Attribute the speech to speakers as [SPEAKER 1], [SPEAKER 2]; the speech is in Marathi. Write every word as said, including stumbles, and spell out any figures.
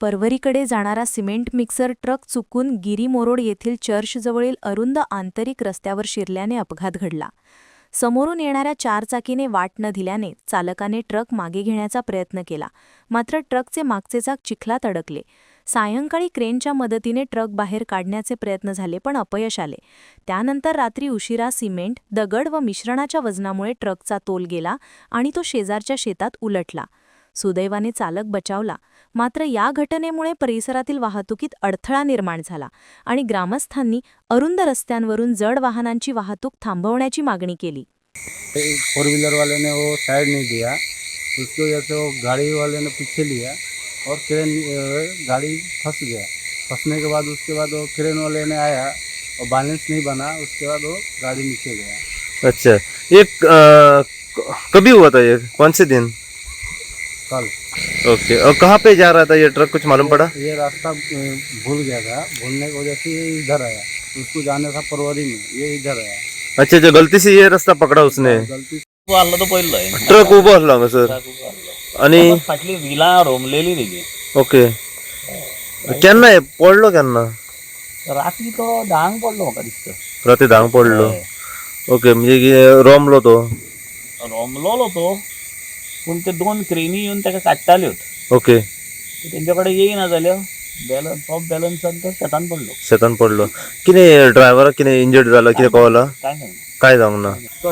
[SPEAKER 1] परवरीकडे जाणारा सिमेंट मिक्सर ट्रक चुकून गिरीमोरोड येथील चर्चजवळील अरुंद आंतरिक रस्त्यावर शिरल्याने अपघात घडला. समोरून येणाऱ्या चारचाकीने वाट न दिल्याने चालकाने ट्रक मागे घेण्याचा प्रयत्न केला, मात्र ट्रकचे मागचे चाक चिखलात अडकले. सायंकाळी क्रेनच्या मदतीने ट्रक बाहेर काढण्याचे प्रयत्न झाले, पण अपयश आले. त्यानंतर रात्री उशिरा सिमेंट, दगड व मिश्रणाच्या वजनामुळे ट्रकचा तोल गेला आणि तो शेजारच्या शेतात उलटला. सुदैवाने चालक बचावला, मात्र या घटनेमुळे परिसरातील वाहतुकीत अडथळा निर्माण झाला आणि ग्रामस्थांनी अरुंद रस्त्यांवरून जड वाहनांची वाहतूक थांबवण्याची मागणी केली.
[SPEAKER 2] फोर व्हीलर वाले ने वो साइड नहीं दिया, उसकी वजह से वो गाड़ी वाले ने पीछे लिया और क्रेन गाड़ी फंस गया. फंसने के बाद उसके बाद वो क्रेन वाले ने आया और बैलेंस नहीं बना, उसके बाद वो गाड़ी नीचे गया.
[SPEAKER 3] अच्छा, ये क- कभी हुआ था? ये कौन से दिन?
[SPEAKER 2] कल.
[SPEAKER 3] ओके, और कहाँ पे जा रहा था ये ट्रक, कुछ मालूम पड़ा?
[SPEAKER 2] ये रास्ता अ, भूल गया था, भूलने की वजह से ये इधर आया. उसको जाना था परवरी में, ये इधर आया.
[SPEAKER 3] अच्छा, जो गलती से ये रास्ता पकड़ा उसने.
[SPEAKER 2] गलती से
[SPEAKER 4] उभं आलं तर पहिलं
[SPEAKER 3] ट्रक उभं असला का सर? आणि
[SPEAKER 4] फाटली विला रोमलेली तेजी.
[SPEAKER 3] ओके, केन्ना हे पडलो केन्ना?
[SPEAKER 4] रात्री तो धांग पडलो म्हाका दिसता.
[SPEAKER 3] राती धांग पडलो. ओके, म्हणजे की रोमलो तो.
[SPEAKER 4] रोमलोलो तो, पूण ते दोन क्रेनी येवन ताका काडटाल्यो.
[SPEAKER 3] ओके,
[SPEAKER 4] तेंच्या कडेन येयना जाल्यो, बॅलन्स ऑफ बॅलन्सान तो शेतान पडलो.
[SPEAKER 3] शेतान पडलो. कितें ड्रायव्हराक कितें इंजर्ड जाला, कितें कळला?
[SPEAKER 4] काय नाही.
[SPEAKER 3] काय जावंक ना.